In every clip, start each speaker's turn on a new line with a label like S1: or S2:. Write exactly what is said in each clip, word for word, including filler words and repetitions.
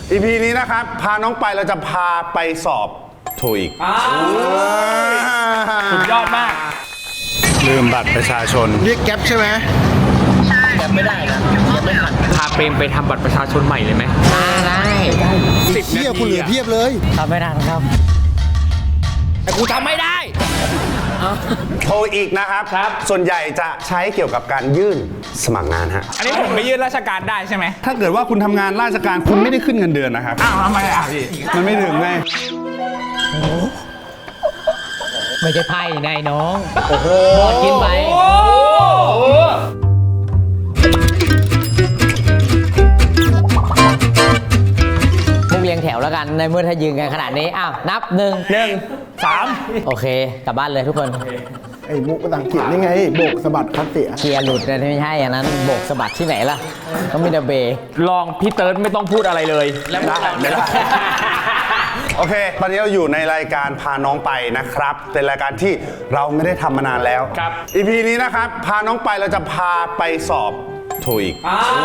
S1: อี พี นี้นะครับพาน้องไปเราจะพาไปสอบโทอีก
S2: สุดยอดมาก
S1: ลืมบัตรประชาชน
S3: เรียกแก๊ปใช่ไหม
S2: แก๊ปไม่ได้นะแก๊ปไม่ทันพาเปรมไปทำบัตรประชาชนใหม่เลยไหม
S3: ได้สิบเทียบคุณเหลือเทียบเลย
S2: ทำไม่ได้ครับแต่กูทำไม่ได้
S1: โทอีกนะครับครับส่วนใหญ่จะใช้เกี่ยวกับการยื่นสมัครงานฮะ
S2: อันนี้ผมไปยื่นราชการได้ใช่ไหม
S1: ถ้าเกิดว่าคุณทำงานราชการคุณไม่ได้ขึ้นเงินเดือนนะครับ
S2: อ้าวทำไมอ่ะพี่
S1: มันไม่ถึงไง
S4: ไม่ใช่ไพ่นายน้องโอ้โหกินไปมุกเรียงแถวแล้วกันในเมื่อถ้ายืนกันขนาดนี้อ้าวนับหนึ่ง
S2: หนึ่งสาม
S4: โอเคกลับบ้านเลยทุกคน
S3: ไอ้มุกภาษาอังกฤษนี่ไงโบกสะบัดคัดเสีย
S4: เกียร์หลุดนะไม่ใช่อย่างนั้นโบกสะบัดที่ไหนล่ะต้องมีเดเบย์
S2: ลองพี่เติร์ดไม่ต้องพูดอะไรเลยแล้วได้ไม่ได้
S1: โอเคตอนนี้เราอยู่ในรายการพาน้องไปนะครับเป็นรายการที่เราไม่ได้ทำมานานแล้ว
S2: ครับ
S1: อี พี นี้นะครับพาน้องไปเราจะพาไปสอบโทอีก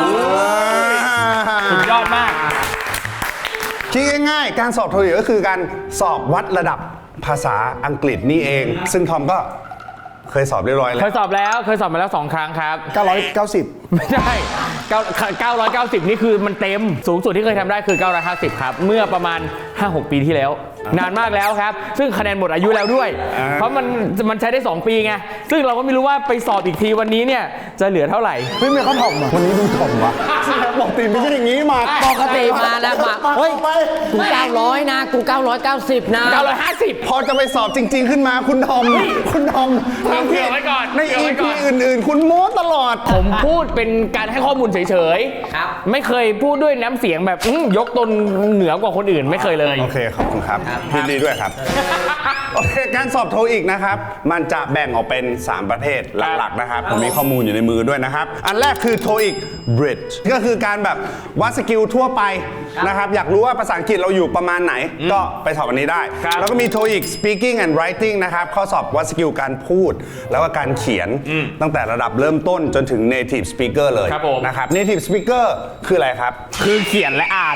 S2: สุดยอดมาก
S1: คิดง่ายๆการสอบโทอีกก็คือการสอบวัดระดับภาษาอังกฤษนี่เองซึ่งทอมก็เคยสอบเรียบร้อยแล้ว
S2: เคยสอบแล้วเคยสอบมาแล้วสองครั้งครับ
S3: เก้าร้อยเก้าสิบ
S2: ไม่ใช่เก้าร้อยเก้าสิบนี่คือมันเต็มสูงสุดที่เคยทำได้คือเก้าร้อยห้าสิบครับเมื่อประมาณ ห้าหก ปีที่แล้วนานมากแล้วครับซึ่งคะแนนหมดอายุแล้วด้วยเพราะมันมันใช้ได้สองปีไงซึ่งเราก็ไม่รู้ว่าไปสอบอีกทีวันนี้เนี่ยจะเหลือเท่าไหร่
S3: เฮ้ยไม่เขาถ่อมอ่ะวันนี้ดูถ่อมวะบอกตีไม่ใช่อย่างนี้มา
S4: ปกติมานะมาเฮ้ยกูเก้าร้อยนะกูเก้าร้อยเก้าสิบนะ
S2: เก้าร้อยห้าสิบ
S1: พอจะไปสอบจริงๆขึ้นมาคุณทอมคุณทอม
S2: ทำเผื่อไว้ก่อน
S1: ใน อี พี อื่นๆคุณโม้ตลอด
S2: ผมพูดเป็นการให้ข้อมูลเฉยๆไม่เคยพูดด้วยน้ำเสียงแบบยกตนเหนือกว่าคนอื่นไม่เคยเลย
S1: โอเคขอบคุณครับยินดีด้วยครับโอเคการสอบโทอีกนะครับมันจะแบ่งออกเป็นสามประเภทหลักๆนะครับผมมีข้อมูลอยู่ในมือด้วยนะครับอันแรกคือ โทอีก Bridge ก็คือการแบบวัดสกิลทั่วไปนะครับอยากรู้ว่าภาษาอังกฤษเราอยู่ประมาณไหนก็ไปสอบอันนี้ได้แล้วก็มี โทอีก Speaking and Writing นะครับข้อสอบวัดสกิลการพูดแล้วก็การเขียนตั้งแต่ระดับเริ่มต้นจนถึง Native Speaker เลยนะครับ Native Speaker คืออะไรครับ
S2: คือเขียนและอ่าน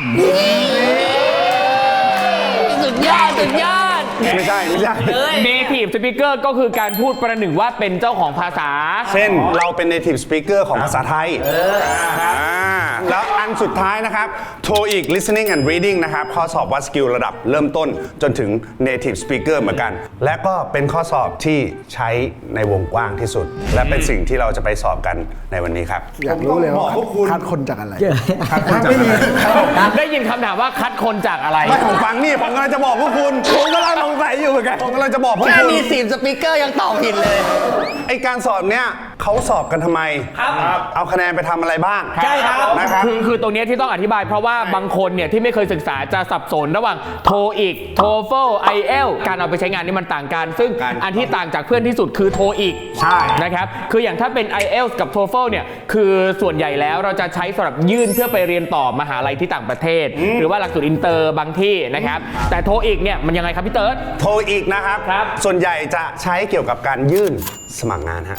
S4: สุดยอดสุดยอด
S1: ไม่ใช่ไม่ใช่
S2: Native Speaker ก็คือการพูดประหนึ่งว่าเป็นเจ้าของภาษา
S1: เช่นเราเป็น Native Speaker ของภาษาไทยแล้วอันสุดท้ายนะครับ โทอีก Listening and Reading นะครับข้อสอบวัดสกิลระดับเริ่มต้นจนถึง Native Speaker เหมือนกันและก็เป็นข้อสอบที่ใช้ในวงกว้างที่สุดและเป็นสิ่งที่เราจะไปสอบกันในวันนี้ครับ
S3: อยากรู้เลยว่าคัดคนจากอะไร
S1: คัดคนจากอะไร
S2: ได้ยินคำถามว่าคัดคนจากอะไร
S1: ไม่ผมฟังนี่ผมกำลังจะบอกพวกคุณผมกำลังสงสัยอยู่เหมือนกันผมกำลังจะบอกพวกคุณแค่
S4: มีสิบสปีกเกอร์ยังตอบผิดเลย
S1: ไอการสอบเนี้ยเขาสอบกันทำไมเอาคะแนนไปทำอะไรบ้าง
S2: ใช่ครับนะครับคือคือตรงนี้ที่ต้องอธิบายเพราะว่าบางคนเนี่ยที่ไม่เคยศึกษาจะสับสนระหว่างโทอีกโทเฟลไอเอลการเอาไปใช้งานนี่มันต่างกันซึ่งอันที่ต่างจากเพื่อนที่สุดคือโทอีก
S1: ใช่
S2: นะครับคืออย่างถ้าเป็น ไอ เอล กับ โทเฟล เนี่ยคือส่วนใหญ่แล้วเราจะใช้สำหรับยื่นเพื่อไปเรียนต่อมหาลัยที่ต่างประเทศหรือว่าหลักสูตรอินเตอร์บางที่นะครับแต่โทอีกเนี่ยมันยังไงครับพี่เติร์ด
S1: โทอีกนะครับส่วนใหญ่จะใช้เกี่ยวกับการยื่นสมัครงานฮะ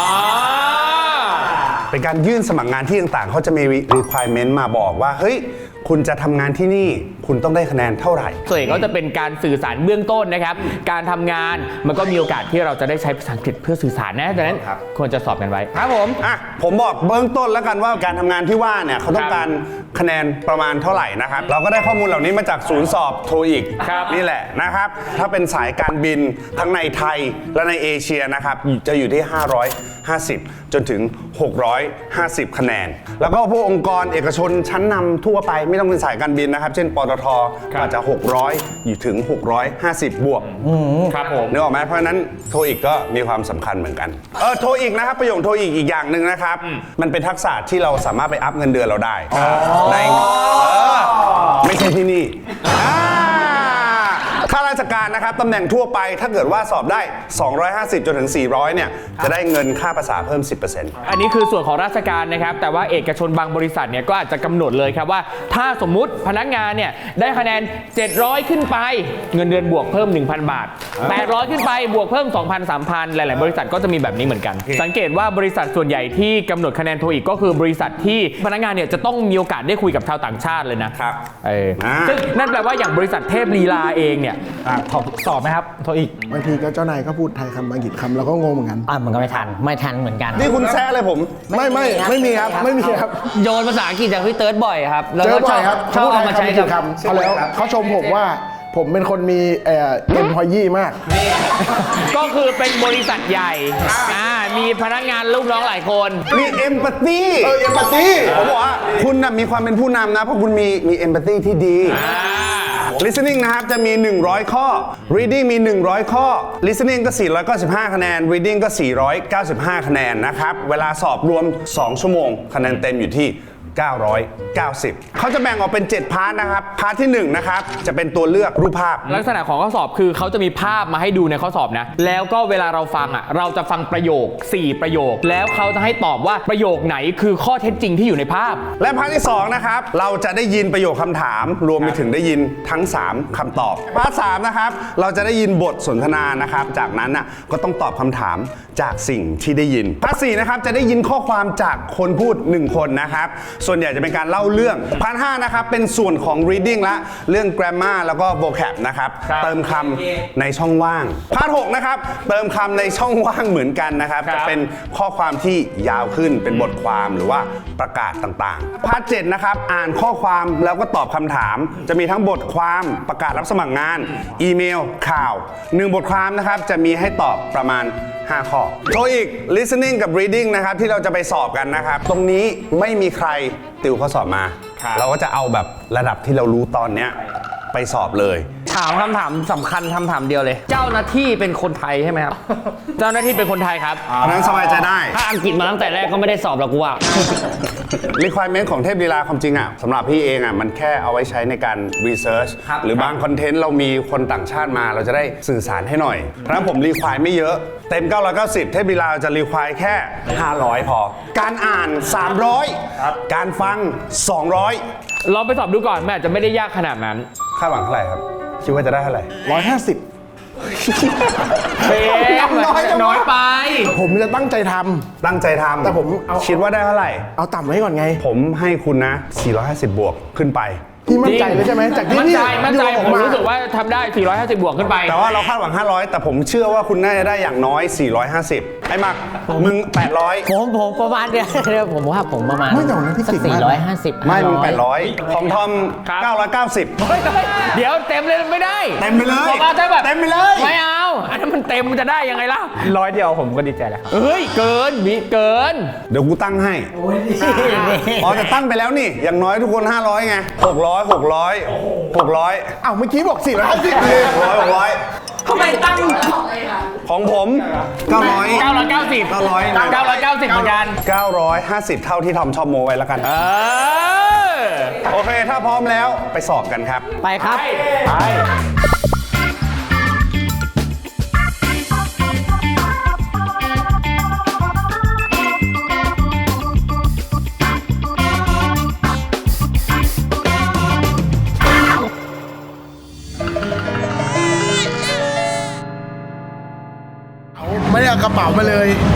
S1: เป็นการยื่นสมัครงานที่ต่างๆเขาจะมี requirement มาบอกว่าเฮ้ยคุณจะทำงานที่นี่คุณต้องได้คะแนนเท่าไหร่
S2: ส่วนใหญ่ก็จะเป็นการสื่อสารเบื้องต้นนะครับการทำงานมันก็มีโอกาสที่เราจะได้ใช้ภาษาอังกฤษเพื่อสื่อสารนะดังนั้นควรจะสอบกันไว้
S1: ครับผมอ่ะผมบอกเบื้องต้นแล้วกันว่าการทำงานที่ว่าเนี่ยเขาต้องการคะแนนประมาณเท่าไหร่นะครับเราก็ได้ข้อมูลเหล่านี้มาจากศูนย์สอบโทอีกนี่แหละนะครับถ้าเป็นสายการบินทั้งในไทยและในเอเชียนะครับจะอยู่ที่ห้าร้อยห้าสิบจนถึงหกร้อยห้าสิบคะแนนแล้วก็พวกองค์กรเอกชนชั้นนำทั่วไปไม่ต้องเป็นสายการบินนะครับเช่นปตท.อาจจะหกร้อยอยู่ถึงหกร้อยห้าสิบบวก
S2: ครับผม
S1: นึกออกไหมเพราะฉะนั้นโทอีกก็มีความสำคัญเหมือนกันเออโทอีกนะครับประโยคโทอีกอีกอย่างหนึ่งนะครับมันเป็นทักษะที่เราสามารถไปอัพเงินเดือนเราได้ในไม่ใช่ที่นี่ข้าราชการการนะครับตำแหน่งทั่วไปถ้าเกิดว่าสอบได้ สองร้อยห้าสิบ จนถึง สี่ร้อย เนี่ยจะได้เงินค่าภาษาเพิ่ม สิบเปอร์เซ็นต์
S2: อันนี้คือส่วนของราชการนะครับแต่ว่าเอกชนบางบริษัทเนี่ยก็อาจจะกำหนดเลยครับว่าถ้าสมมุติพนักงานเนี่ยได้คะแนนเจ็ดร้อยขึ้นไปเงินเดือนบวกเพิ่ม หนึ่งพัน บาทแปดร้อยขึ้นไปบวกเพิ่ม สองพัน สามพัน หลายๆบริษัทก็จะมีแบบนี้เหมือนกันสังเกตว่าบริษัทส่วนใหญ่ที่กำหนดคะแนนโทอีกก็คือบริษัทที่พนักงานเนี่ยจะต้องมีโอกาสได้คุยกับชาวต่างชาติเลยนะครับเออซึ่งนั่นแปลว่าอย่างบริษัทเทพลีลาเองเนี่ยสอบไหมครับโทอีก
S3: บางทีก็เจ้านายก็พูดไทยคำอังกฤษคำเราก็งงเหมือนกัน
S4: อ่ะมันก็ไม่ทันไม่ทันเหมือนกัน
S1: นี่คุณแซะเลยผม
S3: ไม่ไม่ไม่มีครับไม่มีครับ
S5: โยนภาษาอังกฤษจากพี่เติร์ดบ่อยครับ แล้ว
S3: เจ
S5: ก็
S3: อบ่
S5: ช
S3: อ
S5: อย บ
S3: ครับ
S5: ชอบเอามาใช้กับ
S3: คำเขาแล้วเขาชมผมว่าผมเป็นคนมีเอ่อเอ็มพอยี่มาก
S2: ก็คือเป็นบริษัทใหญ่อ่ามีพนักงานลูกน้องหลายคน
S1: มีเอมพัตตี
S3: เออ empathy
S1: ผมบอกว่าคุณน่ะมีความเป็นผู้นำนะเพราะคุณมีมีเอมพัตตีที่ดี listening นะครับจะมี หนึ่งร้อย ข้อ reading มี หนึ่งร้อย ข้อ listening ก็ สี่ร้อยเก้าสิบห้า คะแนน reading ก็ สี่ร้อยเก้าสิบห้า คะแนนนะครับเวลาสอบรวม สอง ชั่วโมงคะแนนเต็มอยู่ที่ เก้าร้อยเก้าสิบ เขาจะแบ่งออกเป็น เจ็ด พาร์ทนะครับพาร์ทที่หนึ่งนะครับจะเป็นตัวเลือกรูปภาพ
S2: ลักษณะของข้อสอบคือเขาจะมีภาพมาให้ดูในข้อสอบนะ แล้วก็เวลาเราฟังอ่ะเราจะฟังประโยค สี่ ประโยค แล้วเขาจะให้ตอบว่าประโยคไหนคือข้อเท็จจริงที่อยู่ในภาพ
S1: และพาร์ทที่สองนะครับเราจะได้ยินประโยคคำถาม รวมไปถึงได้ยินทั้ง สาม คำตอบพาร์ทสามนะครับเราจะได้ยินบทสนทนานะครับจากนั้นน่ะก็ต้องตอบคำถามจากสิ่งที่ได้ยินพาร์ทสี่นะครับจะได้ยินข้อความจากคนพูดหนึ่งคนนะครับส่วนใหญ่จะเป็นการเล่าเรื่องพาร์ทห้านะครับเป็นส่วนของ reading ละเรื่อง grammar แล้วก็ vocab นะครับ
S2: ครับ
S1: เติมคำในช่องว่างพาร์ทหกนะครับเติมคำในช่องว่างเหมือนกันนะครับ
S2: ครับ
S1: จะเป็นข้อความที่ยาวขึ้นเป็นบทความหรือว่าประกาศต่างๆพาร์ทเจ็ดนะครับอ่านข้อความแล้วก็ตอบคำถาม จะมีทั้งบทความประกาศรับสมัครงาน อีเมล ข่าวหนึ่งบทความนะครับจะมีให้ตอบประมาณห้าข้อโทอีก listening กับ reading นะครับที่เราจะไปสอบกันนะครับตรงนี้ไม่มีใครติวข้อสอบมา
S2: ครับ
S1: เราก็จะเอาแบบระดับที่เรารู้ตอนเนี้ยไปสอบเลย
S5: ถามคำถามสำคัญคำถามเดียวเลย เจ้าหน้าที่เป็นคนไทยใช่ไหมครับ
S2: เจ้าหน้าที่เป็นคนไทยครับ
S1: เพราะฉะนั้นสบายใจได้
S5: ถ้าอังกฤษมาตั้งแต่แรกก็ไม่ได้สอบหรอกกูว่า
S1: requirement ของเทพลีลาความจริงอ่ะสำหรับพี่เองอ่ะมันแค่เอาไว้ใช้ในการ research
S5: ครับ
S1: หรือบางคอนเทนต์เรามีคนต่างชาติมาเราจะได้สื่อสารให้หน่อย เพราะฉะนั้นผม require ไม่เยอะ เต็ม เก้าร้อยเก้าสิบ เทพลีลาจะ require แค่ ห้าร้อย พอ การอ่าน สามร้อย การฟัง สองร้อย
S2: ลองไปสอบดูก่อนมันอาจจะไม่ได้ยากขนาดนั้น
S1: คาดหวังเท่าไหร่ครับคิดว่าจะได้เท่าไหร่
S3: ร้อยห้าสิบ
S2: เฟม
S3: น้อยจังวะ
S2: น้อยไป
S3: ผมจะตั้งใจทำ
S1: ตั้งใจทำ
S3: แต่ผมเอา
S1: คิดว่าได้เท่าไหร่
S3: เอาต่ำไว้ก่อนไง
S1: ผมให้คุณนะ สี่ร้อยห้าสิบ บวกขึ้นไป
S3: พี่มั่นใจเลยใช่ไหมจากที่
S2: มั่น
S3: พี่
S2: ใจมั่นใจ
S3: อยู่
S2: ผม
S3: มา
S2: รู้สึกว่าทำได้ สี่ร้อยห้าสิบ บวกขึ้นไป
S1: แต่ว่าเราคาดหวัง ห้าร้อย แต่ผมเชื่อว่าคุณน่าจะได้อย่างน้อย สี่ร้อยห้าสิบ ไอ้มักมึง แปดร้อย
S4: ผมผมประมาณเดียวเดี๋ยวผมว่าผมประมาณ
S3: ไม่แต่วันนั้นพี่เก่งมาก
S4: สี่ร้อยห้าสิบ
S1: ไม่มึง แปดร้อย ของทอม
S2: ครับ
S1: เก้าร้อยเก้าสิบ
S2: เฮ้ยเดี๋ยวเต็มเลยไม่ได้
S1: เต็มไปเลย
S2: บอกว่าถ้าแบบ
S1: เต็มไปเลย
S2: ไม่เอา อันนั้นมันเต็มมันจะได้ยังไงล่ะ
S5: ร้อยเดียวผมก็ดีใจแล้วครับ
S2: เฮ้ย เกินมีเกิน
S1: เดี๋ยวกูตั้งให้ อ๋อแต่ตั้งไปแล้วนี่ อย่างน้อยทุกคน ห้าร้อย ไง หกร้อย หกร้อย หกร้อย
S3: อ้าวเมื่อกี้บอกสี่ร้อยห้าสิบเลย
S1: หกร้อย หกร้อย
S2: ทำไมตั้ง
S1: ของผมเก้าร้อย
S2: เก้าร้อยเก้าสิบ
S1: เก้าร้อย
S2: เก้าร้อยเก้าสิบเหมือนกัน
S1: เก้าร้อยห้าสิบ เท่าที่ทอมชอบโมไว้แล้วกัน
S2: เออ
S1: โอเค ถ้าพร้อมแล้วไปสอบกันครับ
S4: ไปครับ
S2: ไป
S3: ไม่ได้เอากระเป๋ามาเลย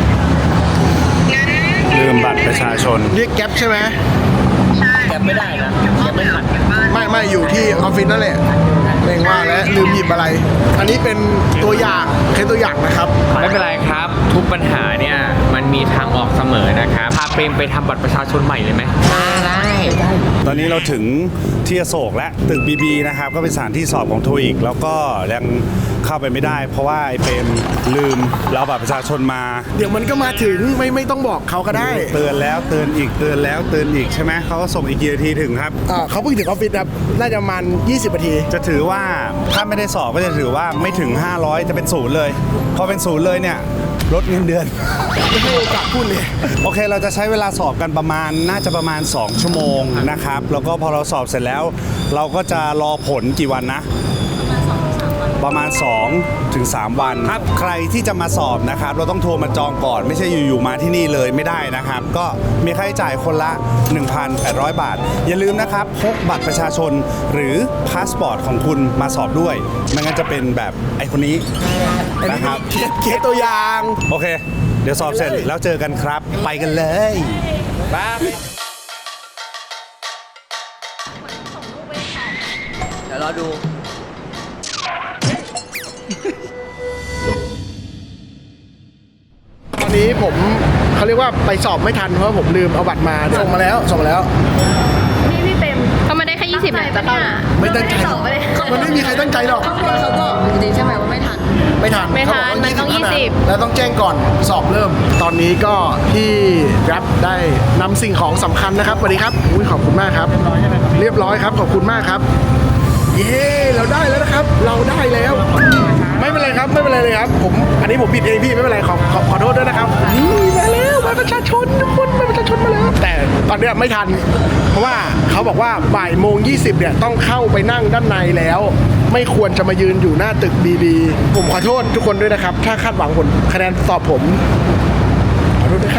S1: ลืมบัตรประชาชน
S3: เรียกแก๊ปใช่ไหม
S5: แกไม่ได้นะแกไม่ทัน
S3: ไม่ไม่อยู่ที่ออฟฟิศนั่นแหละเร่งว่าแล้วลืมหยิบอะไร อันนี้เป็นตัวอย่างแค่ตัวอย่างนะครับ
S2: ไม่เป็นไรครับ ทุกปัญหาเนี่ยมันมีทางออกเสมอนะครับพาเปรมไปทำบัตรประชาชนใหม่เลยไหม
S4: ได้
S1: ตอนนี้เราถึงที่อโศกและตึก บี บี นะครับก็เป็นสถานที่สอบของโทอีกแล้วก็ยังเข้าไปไม่ได้ เพราะว่าไอ้เปรมลืมแล้วบัตรประชาชนมา
S3: เดี๋ยวมันก็มาถึงไม่ไม่ต้องบอกเขาก็ได้
S1: เตือนแล้วเตือนอีกเตือนแล้วเตือนอีกใช่ไหมเขาก็ส่งอีกกี่นาทีถึงครับ
S3: อ่าเขาเพิ่งถึงออฟฟิศครับน่าจะประมาณยี่สิบนาที
S1: จะถือว่าถ้าไม่ได้สอบก็จะถือว่าไม่ถึง ห้าร้อย จะเป็นศูนย์เลยพอเป็นศูนย์เลยเนี่ยลดเงินเดือน
S3: ไม่ให้โอกาสพูดเลย
S1: โอเคเราจะใช้เวลาสอบกันประมาณน่าจะประมาณ สอง ชั่วโมงนะครับแล้วก็พอเราสอบเสร็จแล้ว เราก็จะรอผลกี่วันนะประมาณ2ถึง3วันครับใครที่จะมาสอบนะครับเราต้องโทรมาจองก่อนไม่ใช่อยู่ๆมาที่นี่เลยไม่ได้นะครับก็มีค่าใช้จ่ายคนละ หนึ่งพันแปดร้อย บาทอย่าลืมนะครับพกบัตรประชาชนหรือพาสปอร์ตของคุณมาสอบด้วยไม่งั้นจะเป็นแบบไอ้คนนี้นะครับ
S3: เคสตัวอย่าง
S1: โอเค เดี๋ยวสอบเสร็จแล้วเจอกันครับ ไปกันเลย
S4: เดี๋ยวรอดู
S3: ตอนนี้ผมเขาเรียกว่าไปสอบไม่ทันเพราะผมลืมเอาบัตรมาส่งมาแล้วส่งมาแล้ว
S6: นี่พี่เต็มก็มาได้แค่ยี่สิบเนี่ยจะเข้า
S3: ไม่ตั้งใจหรอกมันไม่มีใครตั้งใจหรอก
S6: เขาบอกจริงๆใช่ไหมว่าไม่ทัน
S3: ไม่ทัน
S6: ไม่ทัน
S3: เขาบกว่า
S6: มันต้องยี่สิบ
S3: เท่านั้นแล้วต้องแจ้งก่อนสอบเริ่ม ตอนนี้ก็พี่รับได้นำสิ่งของสำคัญนะครับสวัสดีครับอุ้ยขอบคุณมากครับเรียบร้อยครับขอบคุณมากครับเย้เราได้แล้วนะครับ เราได้แล้ว ไม่เป็นไรครับไม่เป็นไรเลยครับผมอันนี้ผมผิดเองพี่ไม่เป็นไรขอขอขอโทษด้วยนะครับนี่มาแล้วบัตรประชาชนทุกคนบัตรประชาชนมาแล้วแต่ตอนเนี้ยไม่ทัน เพราะว่าเขาบอกว่าบ่ายโมงยี่สิบเนี่ยต้องเข้าไปนั่งด้านในแล้ว ไม่ควรจะมายืนอยู่หน้าตึกดีๆผมขอโทษทุกคนด้วยนะครับ ถ้าคาดหวังผลคะแนนสอบผมขอโทษด้วยครับ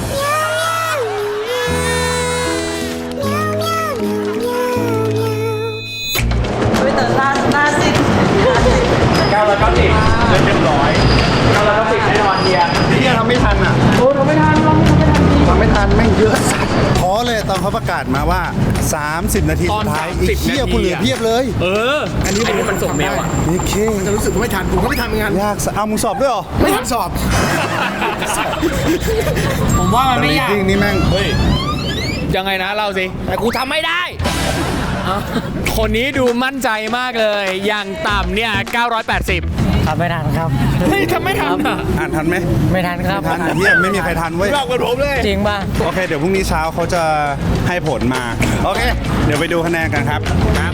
S7: ไม่เติมหน้าหน้าซิด
S2: เก้าร้อยเก้าสิบเรียบร้อยเก้าร้อยเก้าสิบแน่นอนเฮีย
S1: ที่ทำไม่ทันอ่ะ
S2: โอ้ทำไม่ทันเราทำไม่ทันจริง
S1: ทำไม่ทันแม่งเยอะสัสท้อเลยตอนเขาประกาศมาว่า สามสิบ นาที
S2: ตอ
S1: สุ
S2: น
S1: ดท้าย
S2: สามสิบ
S1: ไอ้เหี้ย
S2: นาที
S1: กูเหลือ
S2: อะ
S1: เพียบเลย
S2: เออ อันนี้มันส่งเมลอ่ะ
S1: โอเค
S3: จะรู้สึกว่าไม่ทันผมก็ไม่ทันเหมือนกัน
S1: ยากสะเอามึงสอบด้วยเหรอ
S3: ไม่ทันสอบ
S2: ผมว่ามันไม่ยาก
S1: จริงนี่แม่ง
S2: เฮ้ย ยังไงนะเล่าสิ แต่กูทำไม่ได้ คนนี้ดูมั่นใจมากเลย อย่างต่ำเนี่ย เก้าร้อยแปดสิบ
S4: ทำไม่ทันครับ
S2: เฮ้ยทำไม่ทันอ่ะ
S1: อ่านทันไหม
S4: ไม่ทันครับ
S1: ทันไอ้เหี้ยไม่มีใครทันเว้ย
S3: หลอกเหมือนผมเลย
S4: จริงป่ะ
S1: โอเค เดี๋ยวพรุ่งนี้เช้าเขาจะให้ผลมา โอเค เดี๋ยวไปดูคะแนนกันครับ ครับ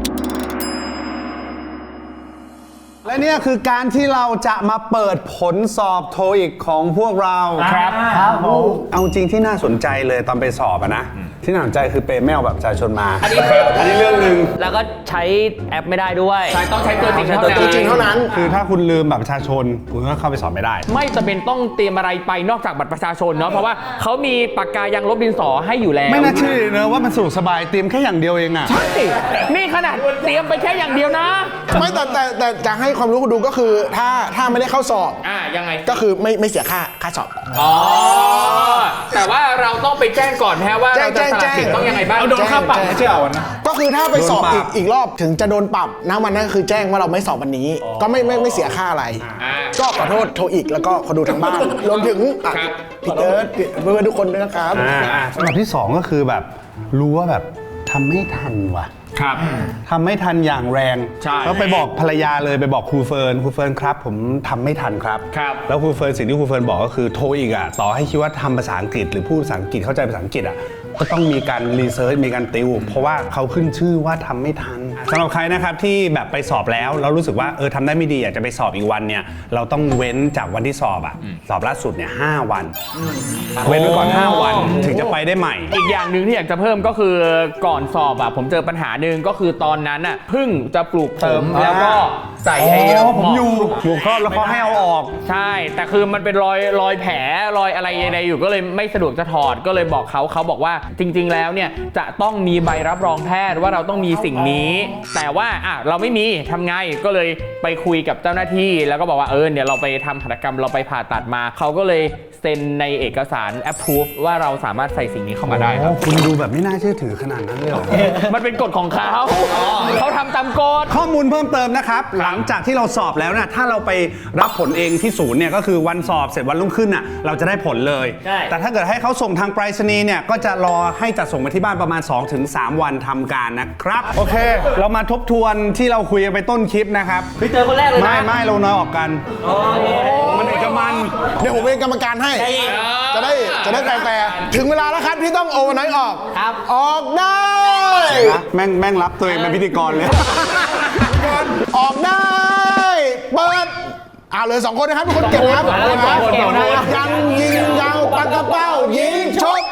S1: และเนี่ยคือการที่เราจะมาเปิดผลสอบโทอีกของพวกเรา
S2: ครับครับผม
S1: เอาจริงที่น่าสนใจเลยตอนไปสอบอะนะ ที่น่าสนใจคือเปย์แมวแบบประชาชนมา
S4: อันนี้
S1: อันนี้เรื่องหนึ่ง
S4: แล้วก็ใช้แอปไม่ได้ด้วย
S2: ใช่ต้องใช้ตัวจริงเท่า
S3: ตัวจริงเท่านั้น
S1: คือถ้าคุณลืมแบบประชาชน คุณก็เข้าไปสอบไม่ได้
S2: ไม่จำเป็นต้องเตรียมอะไรไปนอกจากบัตรประชาชนเนาะ เพราะว่าเขามีปากกายังลบดินสอให้อยู่แล้ว
S1: ไม่น่าเชื่อเลยเนอะว่ามันสะดวกสบายเตรียมแค่อย่างเดียวเองอะ
S2: ใช่นี่ขนาดเตรียมไปแค่อย่างเดียวนะ
S3: ไม่แต่แต่แต่จะให้ความรู้คุณดูก็คือถ้าถ้าไม่ได้เข้าสอบ
S2: อ่ายังไง
S3: ก็คือไม่ไม่เสียค่าค่าสอบ
S2: อ๋อ แต่ว่าเราต้องไปแจ้งก่อนแพ้ว่า
S3: แจ้
S2: เรา
S3: ง
S2: จะสละสิทธิ์
S3: แจ้ง
S2: ต้องยังไงบ้าง
S3: เอาโดนค่าปรับไม่ใช่เหรอวันนั้นก็คือถ้าไปสอบอีกอีกรอบถึงจะโดนปรับนะวันนั้นก็คือแจ้งว่าเราไม่สอบวันนี้ ก็ไม่ไม่ไม่เสียค่าอะไร
S2: อ่า
S3: ก็ขอโทษโทรอีกแล้วก็คนดูทางบ้านรวมถึงอ่ะ
S2: ครับ
S3: พี่เอิร์ธพี่เพื่อนๆทุกคนด้วยนะครับ
S1: อ่าอ่าสำหรับที่สองก็คือแบบรู้ว่าแบบทำไม่ทันว่ะ
S2: ครับ
S1: ทำไม่ทันอย่างแรง
S2: ใช่
S1: ก็ไปบอกภรรยาเลยไปบอกครูเฟิร์นครูเฟิร์นครับ ผมทำไม่ทันครับ
S2: ครับ
S1: แล้วครูเฟิร์นสิ่งที่ครูเฟิร์นบอกก็คือโทรอีกอ่ะต่อให้คิดว่าทำภาษาอังกฤษหรือพูดภาษาอังกฤษเข้าใจภาษาอังกฤษอ่ะก็ต้องมีการรีเสิร์ชมีการติวเพราะว่าเขาขึ้นชื่อว่าทำไม่ทันสำหรับใครนะครับที่แบบไปสอบแล้วแล้วรู้สึกว่าเออทำได้ไม่ดีอยากจะไปสอบอีกวันเนี่ยเราต้องเว้นจากวันที่สอบอ่ะสอบล่าสุดเนี่ยห้าวัน เว้นไว้ก่อนห้าวันถึงจะไปได้ใหม่
S2: อีกอย่างหนึ่งที่อยากจะเพิ่มก็คือก่อนสอบอะผมเจอปัญหาหนึ่งก็คือตอนนั้นอะเพึ่งจะปลูกผมแล้วก็ใส่ให้
S1: อ๋อผมอยู่อยู่ก็แล้วเขาให้เอาออก
S2: ใช่ แต่คือมันเป็นรอยรอยแผลรอยอะไรใดๆอยู่ก็เลยไม่สะดวกจะถอดก็เลยบอกเขาเขาบอกว่าจริง ๆ แล้วเนี่ยจะต้องมีใบรับรองแพทย์ว่าเราต้องมีสิ่งนี้ แต่ว่าอ่ะเราไม่มีทำไงก็เลยไปคุยกับเจ้าหน้าที่แล้วก็บอกว่าเออเดี๋ยวเราไปทำหัตถกรรมเราไปผ่าตัดมาเขาก็เลยเซ็นในเอกสาร approve ว่าเราสามารถใส่สิ่งนี้เข้ามาได้ครับ
S1: คุณดูแบบไม่น่าเชื่อถือขนาดนั้นเลยเหรอ
S2: มันเป็นกฎของเขาเขาทำตามกฎ
S1: ข้อมูลเพิ่มเติมนะครับ หลังจากที่เราสอบแล้วนะถ้าเราไปรับผลเองที่ศูนย์เนี่ยก็คือวันสอบเสร็จวันรุ่งขึ้นน่ะเราจะได้ผลเลย
S4: ใช่
S1: แต่ถ้าเกิดให้เขาส่งทางไปรษณีย์เนี่ยก็จะรอให้จัดส่งมาที่บ้านประมาณ สองถึงสาม วันทำการนะครับ โอเค เรามาทบทวนที่เราคุยกันไปต้นคลิปนะครับ
S4: พี่เจอคนแรกเลยนะ
S1: ไม่ไม่เราน้อยออกกันมันเอกมัน
S3: เดี๋ยวผมเป็นกรรมการให้ จะได้จะได้แฟร์ๆถึงเวลาแล้วครับที่ต้องโอเวอร์ไนท์ออก
S4: ครับ
S3: ออกได้
S1: นะแม่งแม่งรับตัวเองเป็นพิธีกรเลย
S3: ออกได้ เปิดอ่าเลยสองคนนะครับทุกคนเก็บนะครับ
S2: สองคนสองคนสองคน
S3: ยังยิงยาวปากกระเป้ายิงชก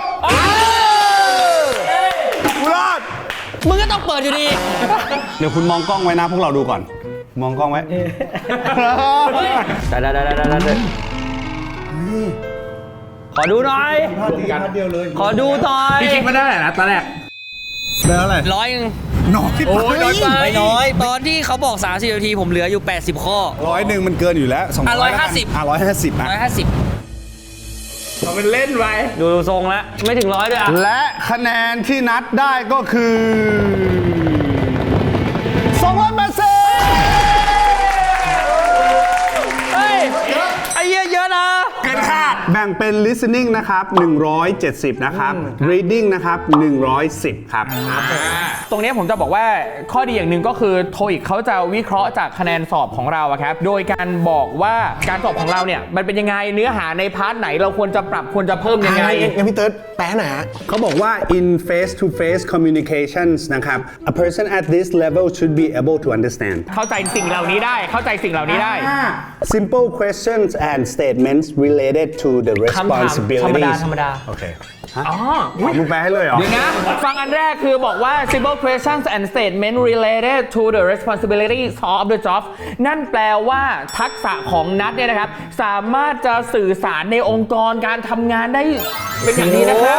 S3: กูรอด
S4: มึงก็ต้องเปิดอยู่ดี
S1: เดี๋ยวคุณมองกล้องไว้นะพวกเราดูก่อนมองกล้องไว้
S5: ได้ได้ได้ได้ได้ขอดูหน่อย ขอดูหน่อย
S2: พี่คิดมาได้ไหนนะตอนแรก
S1: แล้วอะไร
S7: ร้อยหนึ่ง
S1: น้อย
S2: โอ้ยน้อยไป
S7: ไม่น้อย ตอนที่เขาบอกสามสิบนาทีผมเหลืออยู่แปดสิบข้อ
S1: ร้อยหนึ่งมันเกินอยู่แล้วสอง
S7: อ่ะ
S1: ร้อย
S7: ร้อยห้าสิบ
S1: อ่ะร้อยห้าสิบอ่ะ
S7: ร้อยห้าสิบ
S2: เราเป็นเล่นไป
S5: ดูทรงแล้ว ไม่ถึงร้อยด้วยอ่ะ
S1: และคะแนนที่นัดได้ก็คือสองร้อยแปดสิบ
S5: เฮ้ย ไอ้เหี้ยเยอะนะ
S2: เกินคาด
S1: แบ่งเป็น listening นะครับหนึ่งร้อยเจ็ดสิบนะครับ reading นะครับหนึ่งร้อยสิบครับ
S2: ตรงนี้ผมจะบอกว่าข้อดีอย่างหนึ่งก็คือโทอีกเขาจะวิเคราะห์จากคะแนนสอบของเราอะครับ โดยการบอกว่าการสอบของเราเนี่ยมันเป็นยังไงเนื้อหาในพาร์ทไหนเราควรจะปรับควรจะเพิ่มยังไง
S3: งั้นพี่เติร์ดแปลหน่อยฮะ
S1: เขาบอกว่า in face to face communications นะครับ a person at this level should be able to understand
S2: เข้าใจสิ่งเหล่านี้ได้เข้าใจสิ่งเหล่านี้ได้
S1: simple questions and statements related to the
S5: คำถาม
S1: responsibilities
S5: ธรรมดาธรรมดา
S1: โอเค
S2: อ๋อ
S1: เอามึงแปลให้เลยเหรอ
S2: เดี๋ยวนะ ฟังอันแรกคือบอกว่า simple questions and statement related to the responsibilities of the job นั่นแปลว่าทักษะของนัทเนี่ยนะครับ สามารถจะสื่อสารในองค์กรการทำงานได้เป็นอย่างดีนะครับ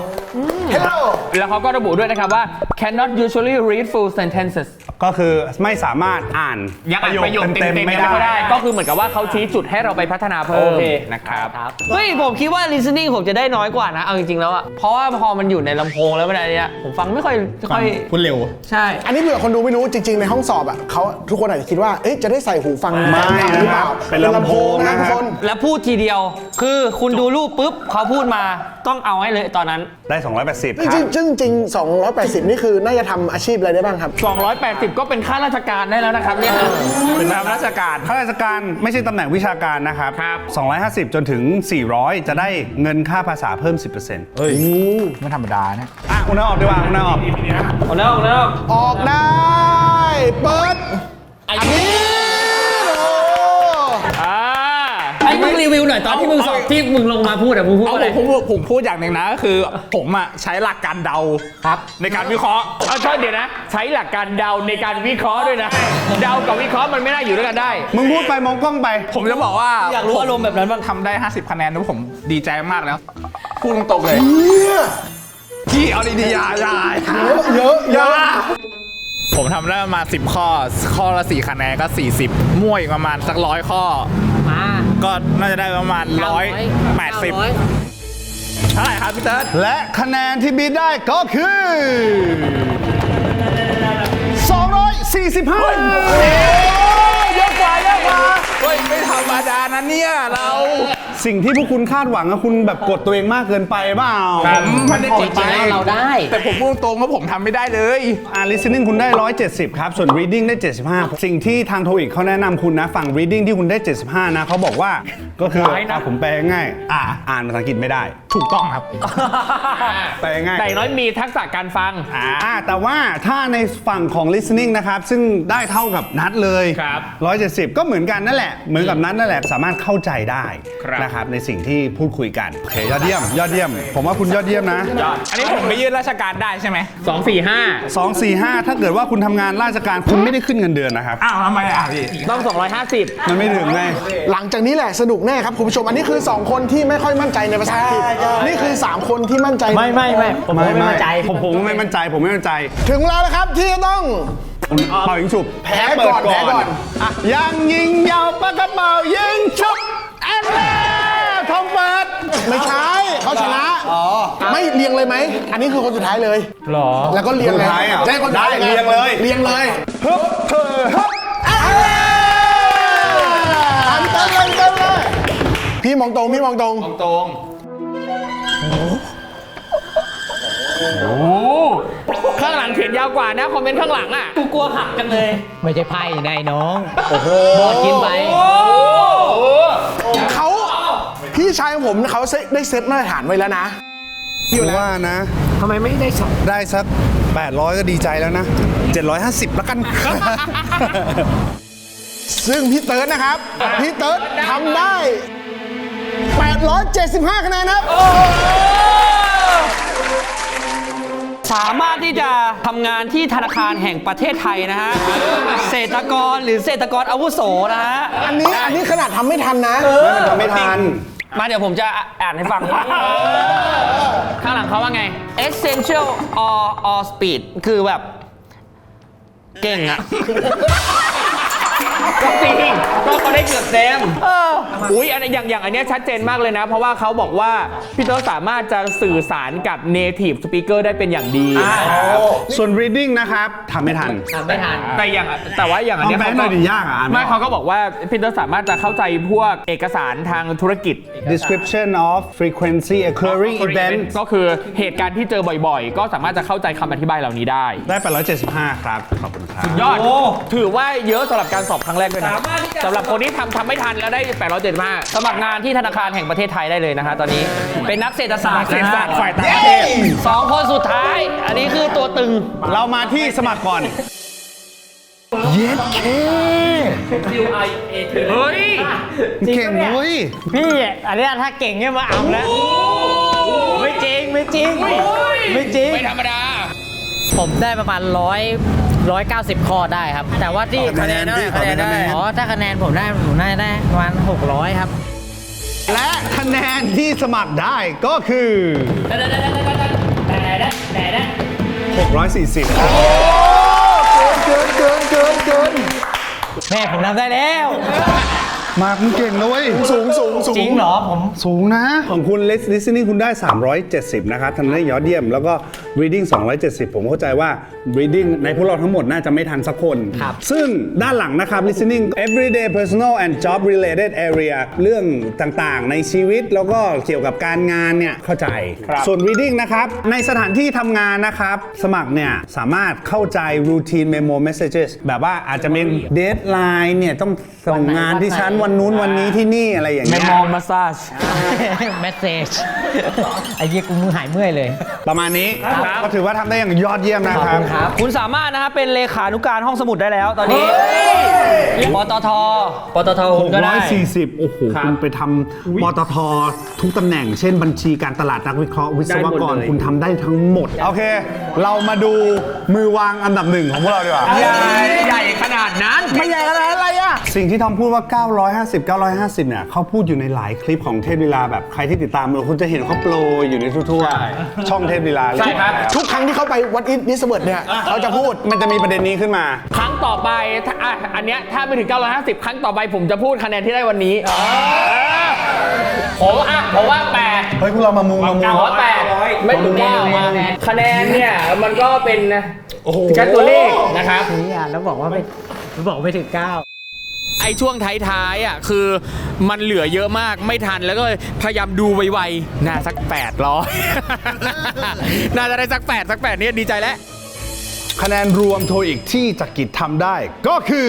S3: Hello
S2: แล้วเขาก็ระบุด้วยนะครับว่า cannot usually read full sentences
S1: ก็คือไม่สามารถอ่าน
S2: ยังอ่านประโยคเต็มๆ
S1: ๆ
S2: ไม่
S1: ไม่
S2: ได้
S1: ได้
S2: ก็คือเหมือนกับว่าเขาชี้จุดให้เราไปพัฒนาเพิ่ม
S5: โอเค
S2: นะครับ
S5: เฮ้ย ผมคิดว่า listening ผมจะได้น้อยกว่านะ เอาจริงๆแล้วอะเพราะว่าพอมันอยู่ในลำโพงแล้วมันอะไรเนี่ยผมฟังไม่ค่อยไม่ค่อย
S2: คุณเร็ว
S5: ใช่
S3: อันนี้เผื่อคนดูไม่รู้จริง ๆ ในห้องสอบอ่ะเขาทุกคนอาจจะคิดว่า เอ๊ะจะได้ใส่หูฟัง
S1: ไม่
S3: หรือเปล่า
S1: เป็นลำโพง
S3: นะ
S1: นะ
S3: ทุกคน
S5: แล้วพูดทีเดียว คือคุณดูรูปปุ๊บเขาพูดมาต้องเอาให้เลยตอนนั้น
S1: ได้ สองร้อยแปดสิบ
S3: จ
S1: ครั
S3: ริ
S1: บ
S3: งๆซึ่งจริงๆสองร้อยแปดสิบนี่คือน่าจะทำอาชีพอะไรได้บ้างครับ
S2: สองร้อยแปดสิบก็เป็นข้าราชการได้แล้วนะครับเนี่ย เป็นรับราชการ
S1: ข้าราชการไม่ใช่ตำแหน่งวิชาการนะครับ
S2: ครับ
S1: สองร้อยห้าสิบจนถึง สี่ร้อย จะได้เงินค่าภาษาเพิ่ม สิบเปอร์เซ็นต์
S2: เฮ้ยไม่ธรรมดานะ
S1: อ่ะคุณน้าออกดีกว่าคุณน้าออก
S5: เอาแล้วเอาแล้ว
S3: ออกได้ เปิด อันนี้โอ้
S2: อ่า
S5: ไอ้มึงรีวิวหน่อยตอนที่มึงสอบที่มึงลงมาพูดอะมึงพูด
S8: เอา
S5: อะไร
S8: ผมผมผมพูดอย่างหนึ่งนะคือผมอ่ะใช้หลักการเดา
S5: ครับ
S8: ในการวิเคราะห์
S2: เอาใช่เดี๋ยวนะ ใช้หลักการเดาในการวิเคราะห์ด้วยนะ เดากับวิเคราะห์มันไม่น่าอยู่ด้วยกันได้
S1: มึงพูดไปมองกล้องไป
S8: ผมจะบอกว่า
S5: อยากรู้อารมณ์แบบนั้นบ้าง
S8: ทำได้ ห้าสิบ คะแนนแล้วผมดีใจมากแล้ว พูดตรงๆเลยพี่เอาดีๆอย่าอย่า
S3: เยอะเยอะ
S8: ผมทำได้ประมาณสิบข้อ ข้อละสี่คะแนนก็สี่สิบมั่วอีกประมาณสักร้อยข้อ
S5: มา
S8: ก็น่าจะได้ประมาณร้อยแปดสิบเท่าไหร่ครับพี่เติร์ด
S1: และคะแนนที่บีได้ก็คือ สองร้อยสี่สิบห้า
S8: เยอะกว่าเยอะกว่าเฮ้ยไม่ธรรมดานะเนี่ยเรา
S1: สิ่งที่พวกคุณคาดหวังอะคุณแบบกดตัวเองมากเกินไปเปล่า
S8: ผมไม่ได้กด
S5: จริงๆเราได้
S8: แต่ผมพูดตรงว่าผมทำไม่ได้เลย
S1: อ่า listening คุณได้ หนึ่งร้อยเจ็ดสิบ ครับ ส่วน reading ได้ เจ็ดสิบห้า สิ่งที่ทางโทอีกเขาแนะนำคุณนะ ฝั่ง reading ที่คุณได้ เจ็ดสิบห้า นะเขาบอกว่าก็คือ
S2: ร้ายนะ
S1: อ่ะผมแปลง่ายอ่าอ่านภาษาอังกฤษไม่ได้
S8: ถูกต้องครับ
S1: แปลง่าย
S2: แต่อย่างน้อยมีทักษะการฟัง
S1: อ่าแต่ว่าถ้าในฝั่งของ listening นะครับ ซึ่งได้เท่ากับนัดเลย
S2: ครับ
S1: หนึ่งร้อยเจ็ดสิบ ก็เหมือนกันนั่นแหละ เหมือนกับนัดนั่นแหละ สามารถเข้าใจได้
S2: ครับ
S1: นะครับในสิ่งที่พูดคุยกันโอเคยอดเยี่ยม ยอดเยี่ยม ผมว่าคุณยอดเยี่ยมนะ
S8: อันนี้ผมไปยื่นราชการได้ใช่ไหม
S2: สอง สี่ ห้า
S1: สอง สี่ ห้า ถ้าเกิดว่าคุณทำงานราชการคุณไม่ได้ขึ้นเงินเดือนนะครับ
S8: อ้าวทำไมอ่ะพี่
S2: ต้องสองร้อยห้าสิบ
S1: มันไม่ถึงไง
S3: หลังจากนี้แหละสนุกแน่ครับคุณผู้ชม อันนี้คือ สอง คนที่ไม่ค่อยมั่นใจในภาษาอังกฤษนี่คือ สาม คนที่มั่นใจ
S5: ไม่ไม่ไม่ผมไม่มั่นใจ
S1: ผมผมไม่มั่นใจ ผมไม่มั่นใจ
S3: ถึงเวลาแล้วครับที่จะต้อง
S1: เป่ายิงฉุบ
S3: แพ้ก่อนแพ้ก่อน
S1: อ่ะยังยิงยาวปากกระเป๋ายิงฉุบแอนเล่ทองเปิด
S3: ไม่ใช่เขาชนะไม่เรียงเลยไหม อันนี้คือคนสุดท้ายเลย
S2: หรอ
S3: แล้วก็เรียงเลย
S1: คนสุดท้ายอ่ะ
S3: ใช่คนสุดท้าย
S1: ได้เรียงเลย
S3: เรียงเลย
S1: ฮึบเธอฮึบ
S3: อันเต้นเลยเต้นเลยพี่มองตรงพี่มองตรง
S8: ตรง
S2: ข้างหลังเขียนยาวกว่านะ คอมเมนต์ข้างหลังอ่ะ
S5: กูกลัวหักกันเลย ไม่ใช่ไพ่นายน้อง
S3: โอ้โห
S5: บอดกินไป
S3: เขาพี่ชายของผมเขาได้เซตมาตรฐานไว้แล้วนะ
S1: อยู่ว่านะ
S3: ทำไมไม่ได้สอง
S1: ได้สัก แปดร้อย ก็ดีใจแล้วนะ เจ็ดร้อยห้าสิบ แล้วกัน
S3: ซึ่งพี่เติร์ดนะครับ พี่เติร์ดทำได้ แปดร้อยเจ็ดสิบห้า คะแนนครับ
S5: สามารถที่จะทำงานที่ธนาคารแห่งประเทศไทยนะฮะเศรษฐกรหรือเศรษฐกรอาวุโสนะฮะ
S3: อันนี้อันนี้ขนาดทำไม่ทันนะ
S1: ไม่มันทำไม่ทัน
S5: มาเดี๋ยวผมจะอ่านให้ฟัง
S2: ข้างหลังเขาว่าไง
S5: essential or or speed คือแบบเก่งอะ
S2: ก็จริงก็เขาได้เกือบเต็มอุ้ยอันอย่างอย่างอันเนี้ยชัดเจนมากเลยนะ เพราะว่าเขาบอกว่าพี่เตอร์สามารถจะสื่อสารกับ native speaker ได้เป็นอย่างดี
S1: ส่วน reading นะครับทำไม่ทัน
S4: ทำไม่ทัน
S2: แต่อย่างแต่ว่าอย่างอันเนี้ย
S1: เอาแบงค์หน่อยดิยากอ่ะอ่านไม่
S2: ไม่
S1: ออก
S2: เขาก็บอกว่าพี่เตอร์สามารถจะเข้าใจพวกเอกสารทางธุรกิจ
S1: description of frequency occurring event
S2: ก็คือเหตุการณ์ที่เจอบ่อยๆ ก็สามารถจะเข้าใจคำอธิบายเหล่านี้ได้
S1: ได้แปดร้อยเจ็ดสิบห้าครับ ขอบคุณครับ
S2: ยอดถือว่าเยอะสำหรับการสอบครั้งแรกด้วยนะสำหรับคนที่ทำทำไม่ทันแล้วได้แปดร้อยเจ็ดสิบห้า
S5: สมัครงานที่ธนาคารแห่งประเทศไทยได้เลยนะฮะตอนนี้เป็นนักเศรษฐศาสตร์
S2: เศรษฐศาสตร์ฝ่ายต่าง
S1: เย้
S2: ประเทศ
S5: สองคนสุดท้าย อันนี้คือตัวตึง
S1: เรามาที่สมัครก่อน เย็ดเค
S2: เฮ้ย
S1: เก่งเว้ย
S4: พี่อันเนี้ยถ้าเก่งเนี่ยมาเอาแล้วไม่จริงไม่จริงไม่จริง
S2: ไม่ธรรมดา
S4: ผมได้ประมาณร้อยร้อยเก้าสิบข้อได้ครับ แต่ว่าที่
S1: คะแนนพี่ขอเป็นคะแนน
S4: อ๋อถ้าคะแนนผมได้ผมน่าจะได้ประมาณหกร้อยครับ
S1: และคะแนนที่สมัครได้ก็คือหกร้อยสี่สิบครับ
S3: เกินเกินเกินเกิน
S4: แม่ผมทำได้แล้ว
S1: มากมึงเก่งนะเว้ย
S3: สูงสูงสูง
S4: จริงเหรอผม
S1: สูงนะ ของคุณ listening คุณได้ สามร้อยเจ็ดสิบ นะครับทำได้ยอดเยี่ยม แล้วก็ reading สองร้อยเจ็ดสิบ ผมเข้าใจว่า reading ในพวกเราทั้งหมดน่าจะไม่ทันสักคน
S4: ครับ
S1: ซึ่งด้านหลังนะครับ listening everyday personal and job related area เรื่องต่างๆ ในชีวิตแล้วก็เกี่ยวกับการงานเนี่ยเข้าใจ ส่วน reading นะครับ ในสถานที่ทำงานนะครับ สมัครเนี่ยสามารถเข้าใจ routine memo messages แบบว่าอาจจะเป็น deadline เนี่ยต้องส่งงานที่ชั้นวันนู้นวันนี้ที่นี่อะไรอย่าง
S2: เม
S1: เงี้ย
S2: มโมมาซาจ
S4: เมสเซจไอ้เหี้ยกูมือหายเมื่อยเลย
S1: ประมาณนี้ก็ถือว่าทำได้อย่างยอดเยี่ยมนะครับ
S5: คุณสามารถนะครับเป็นเลขานุการห้องสมุดได้แล้วตอนนี้ปตทปตทคุณก็ได้
S1: หกร้อยสี่สิบ โอ้โห คุณไปทำปตททุกตำแหน่ง เช่นบัญชีการตลาดนักวิเคราะห์วิศวกร คุณทำได้ทั้งหมด โอเค เรามาดูมือวางอันดับหนึ่งของพวกเราดีกว่า
S2: ใหญ่ใหญ่ขนาดนั้น
S1: ไม่ใหญ่ขนาดอะไรอะสิ่งที่ทอมพูดว่า เก้าร้อยห้าสิบ เก้าร้อยห้าสิบ เนี่ยเขาพูดอยู่ในหลายคลิปของเทพลีลาแบบใครที่ติดตามเราคุณจะเห็นเขาโปรยอยู่ในทั่วๆช่องเทพลีลา
S2: ใช่ครับ
S3: ทุกครั้งที่เขาไปวัดอินนิสเบิร์ดเนี่ยเขาจะพูด
S1: มันจะมีประเด็นนี้ขึ้นมา
S2: ครั้งต่อไปถ้าอ่ะอันเนี้ยถ้าไปถึง เก้าร้อยห้าสิบ ครั้งต่อไปผมจะพูดคะแนนที่ได้วันนี้ผมอ่ะผมว่าแปด
S1: เฮ้ยพวกเรามามุงมามุง
S2: ผมว่าแปดไม่ถึงเก้าคะแนนเนี่ยมันก็เป็นแค่ตัวเลขนะครับ
S4: นี่อ่ะแล้วบอกว่าไม่บอกไม่ถึงเก้า
S2: ไอ้ช่วงท้ายๆอ่ะคือมันเหลือเยอะมากไม่ทันแล้วก็พยายามดูไวๆน่าสักแปดร้อย น่าจะได้สักแปดสักแปดเนี่ยดีใจแล้ว
S1: คะแนนรวมโทอีกที่จักริดทำได้ก็คือ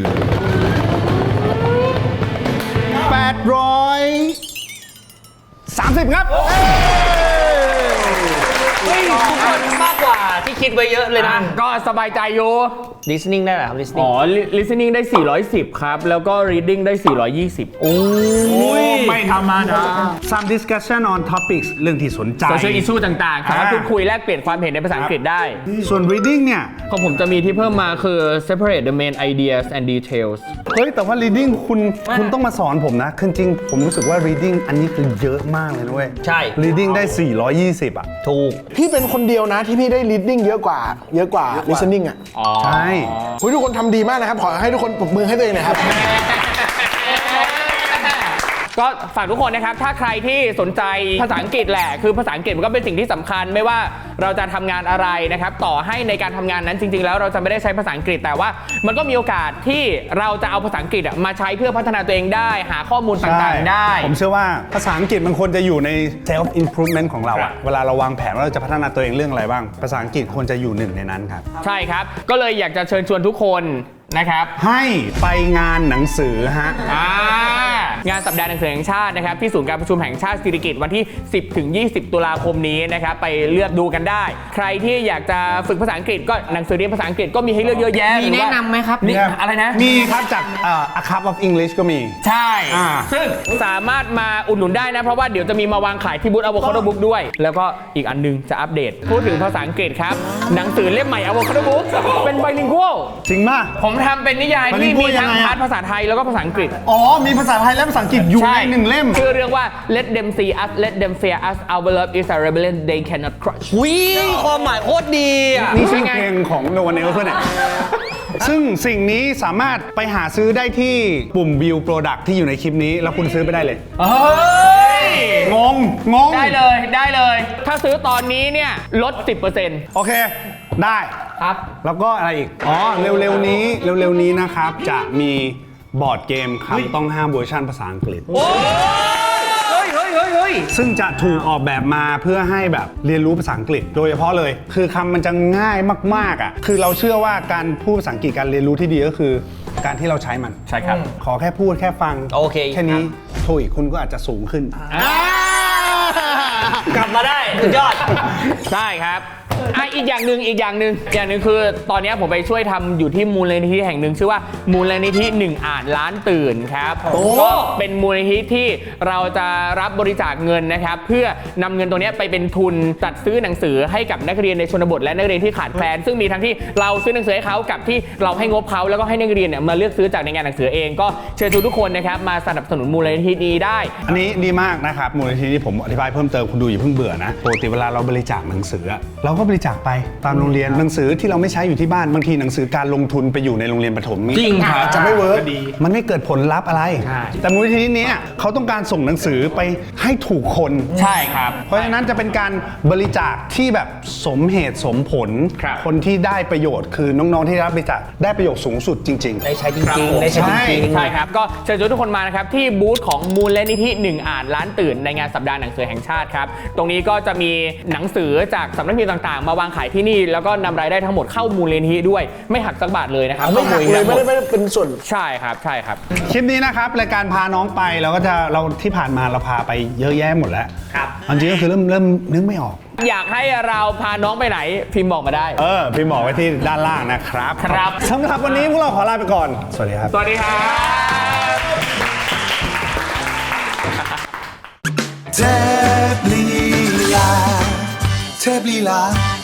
S1: แปดร้อยสามสิบ ครับ
S5: เฮ้ยทุกคนมากกว่าที่คิดไว้เยอะเลยนะ
S2: ก็สบายใจอยู่
S5: listening ได้เหรอครับ listening
S2: อ๋อ listening ได้ สี่ร้อยสิบ ครับ แล้วก็ reading ได้ สี่ร้อยยี่สิบ โอ้ยไม่ธรรมดา
S1: Some discussion on topics เรื่องที่สนใจ
S2: social issue ต่างๆ สามารถพูดคุยแลกเปลี่ยนความเห็นในภาษาอังกฤษได้
S1: ส่วน reading เนี่ย
S2: ของผมจะมีที่เพิ่มมาคือ separate the main ideas and details
S1: เฮ้ย แต่ว่า reading คุณคุณต้องมาสอนผมนะคือจริงๆผมรู้สึกว่า reading อันนี้คือเยอะมากเลยนะเว้ย
S5: ใช่
S1: reading ได้ สี่ร้อยยี่สิบ อ่ะ
S5: ถูก
S3: พี่เป็นคนเดียวนะที่พี่ได้ reading เยอะกว่า เยอะกว่า listening อ่ะ
S1: ใช่
S3: เฮ้ยทุกคนทำดีมากนะครับ ขอให้ทุกคนปรบมือให้ตัวเองหน่อยครับ
S2: ก็ฝากทุกคนนะครับ ถ้าใครที่สนใจภาษาอังกฤษแหละ คือภาษาอังกฤษมันก็เป็นสิ่งที่สำคัญ ไม่ว่าเราจะทำงานอะไรนะครับ ต่อให้ในการทำงานนั้นจริง ๆ แล้วเราจะไม่ได้ใช้ภาษาอังกฤษ แต่ว่ามันก็มีโอกาสที่เราจะเอาภาษาอังกฤษอะมาใช้เพื่อพัฒนาตัวเองได้ หาข้อมูลต่างๆได้
S1: ผมเชื่อว่าภาษาอังกฤษมันควรจะอยู่ใน self improvement ของเราอะเวลาเราวางแผนว่าเราจะพัฒนาตัวเองเรื่องอะไรบ้าง ภาษาอังกฤษควรจะอยู่หนึ่งในนั้นครับ
S2: ใช่ครับ ก็เลยอยากจะเชิญชวนทุกคนนะครับ
S1: ให้ไปงานหนังสือฮะ
S2: อ่างานสัปดาห์หนังสือแห่งชาตินะครับที่ศูนย์การประชุมแห่งชาติสิริกิติ์วันที่ สิบถึงยี่สิบ ตุลาคมนี้นะครับไปเลือกดูกันได้ ใครที่อยากจะฝึกภาษาอังกฤษก็หนังสือเรียนภาษาอังกฤษก็มีให้เลือกเยอะแยะ
S5: มีแนะนำไหมครับ
S2: นี่อะไรนะ
S1: มีครับจากเอ่อ A Cup of English ก็มี
S2: ใช่
S1: อ่า
S2: ซึ่งสามารถมาอุดหนุนได้นะ เพราะว่าเดี๋ยวจะมีมาวางขายที่บูธ Avocado Book ด้วย แล้วก็อีกอันนึงจะอัปเดต พูดถึงภาษาอังกฤษครับ หนังสือเล่มใหม่ Avocado Book เป็น bilingual
S1: จริงป่ะ
S2: ผมทำเป็นนิยายที่มี
S1: bilingual
S2: ทั้ง
S1: ยังไงอะ
S2: พาร์ทภาษาไทยแล้วก็ภาษาอังกฤษ
S1: อ๋อ มีภาษาไทยและภาษาอังกฤษอยู่ในหนึ่งเล่ม
S2: ชื่อเรื่องว่า Let them see us Let them fear us Our love is a rebellion they cannot crush
S5: หุยความหมายโคตรดีอ่ะ
S1: นี่ชื่อเพลงของ No One Else เนี่ย ซึ่งสิ่งนี้สามารถไปหาซื้อได้ที่ปุ่ม View Product ที่อยู่ในคลิปนี้ แล้วคุณซื้อไปได้เลย
S2: เฮ้ย
S1: งง งง
S2: ได้เลยได้เลย ถ้าซื้อตอนนี้เนี่ยลด สิบเปอร์เซ็นต์
S1: โอเค ได้
S2: ครับ
S1: แล้วก็อะไรอีก อ๋อ เร็วๆนี้ เร็วๆนี้นะครับ จะมีบอร์ดเกมคำต้องห้ามเวอร์ชันภาษาอังกฤษ
S2: เฮ้ยเฮ้ยเฮ้ยเฮ้ย
S1: ซึ่งจะถูกออกแบบมาเพื่อให้แบบเรียนรู้ภาษาอังกฤษ โดยเฉพาะเลย คือคำมันจะง่ายมากๆอ่ะ คือเราเชื่อว่าการพูดภาษาอังกฤษการเรียนรู้ที่ดีก็คือ การที่เราใช้มัน
S2: ใช่ครับ
S1: ขอแค่พูดแค่ฟัง
S5: โอเค
S1: แค่นี้โทอีกคุณก็อาจจะสูงขึ้น
S5: กลับมาได้สุดยอด
S2: ใช่ครับอ่ะอีกอย่างหนึ่งอีกอย่างหนึ่งอย่างหนึ่งคือตอนนี้ผมไปช่วยทำอยู่ที่มูลนิธิแห่งหนึ่งชื่อว่ามูลนิธิหนึ่งอ่านล้านตื่นครับก็เป็นมูลนิธิที่เราจะรับบริจาคเงินนะครับเพื่อนำเงินตัวนี้ไปเป็นทุนจัดซื้อหนังสือให้กับนักเรียนในชนบทและนักเรียนที่ขาดแคลนซึ่งมีทั้งที่เราซื้อหนังสือให้เขากับที่เราให้งบเขาแล้วก็ให้นักเรียนเนี่ยมาเลือกซื้อจากในงานหนังสือเองก็เชิญชวนทุกคนนะครับมาสนับสนุนมูลนิธินี้ได้
S1: อันนี้ดีมากนะครับมูลนิธิที่ผมอธิบายเพิ่มเติมคุณดูอย่าเพิ่งเบื่อนะปกติเวลาเราบริจาคหนังสืออะเราก็บริจาคไปตามโรงเรียนหนังสือที่เราไม่ใช้อยู่ที่บ้านบางทีหนังสือการลงทุนไปอยู่ในโรงเรียนประถมนี่
S2: จริงครับ
S1: อาจจะไม่เวิร์กมันไม่เกิดผลลัพธ์อะไร
S2: ใช่
S1: แต่มูลนิธินี้เขาต้องการส่งหนังสือไปให้ถูกคน
S2: ใช่ครับ
S1: เพราะฉะนั้นจะเป็นการบริจาคที่แบบสมเหตุสมผล
S2: ครับ
S1: คนที่ได้ประโยชน์คือน้องๆที่รับบริจาคได้ประโยชน์สูงสุดจริงๆ
S5: ได้ใช้จริงๆได้ใช้จริงๆ
S2: ใช่ครับ ก็เชิญชวนทุกคนมานะครับ ที่บูธของมูลนิธิหนึ่งอ่านล้านตื่นในงานสัปดาห์หนังสือแห่งชาติครับ ตรงนี้ก็จะมีหนังสือจากสำนักพิมพ์ต่างๆ มาวางขายที่นี่ แล้วก็นำรายได้ทั้งหมดเข้ามูลนิธิด้วยไม่หักสักบาทเลยนะครับ
S3: ไม่หักเลยไม่ได้ไม่ได้เป็นส่วน
S2: ใช่ครับใช่ครับ
S1: คลิปนี้นะครับรายการพาน้องไปเราก็จะเราที่ผ่านมาเราพาไปเยอะแยะหมดแล้ว
S2: ครับ
S1: จริงๆก็คือเริ่มเริ่มนึกไม่ออก
S2: อยากให้เราพาน้องไปไหนพิมพ์บอกมาได้
S1: เออพี่บอกไว้ที่ด้านล่างนะครับ
S2: ครับ
S1: สำหรับวันนี้พวกเราขอลาไปก่อน สวัสดีครับ
S2: สวัสดีครับ
S9: เทพลีลาเทพลีลา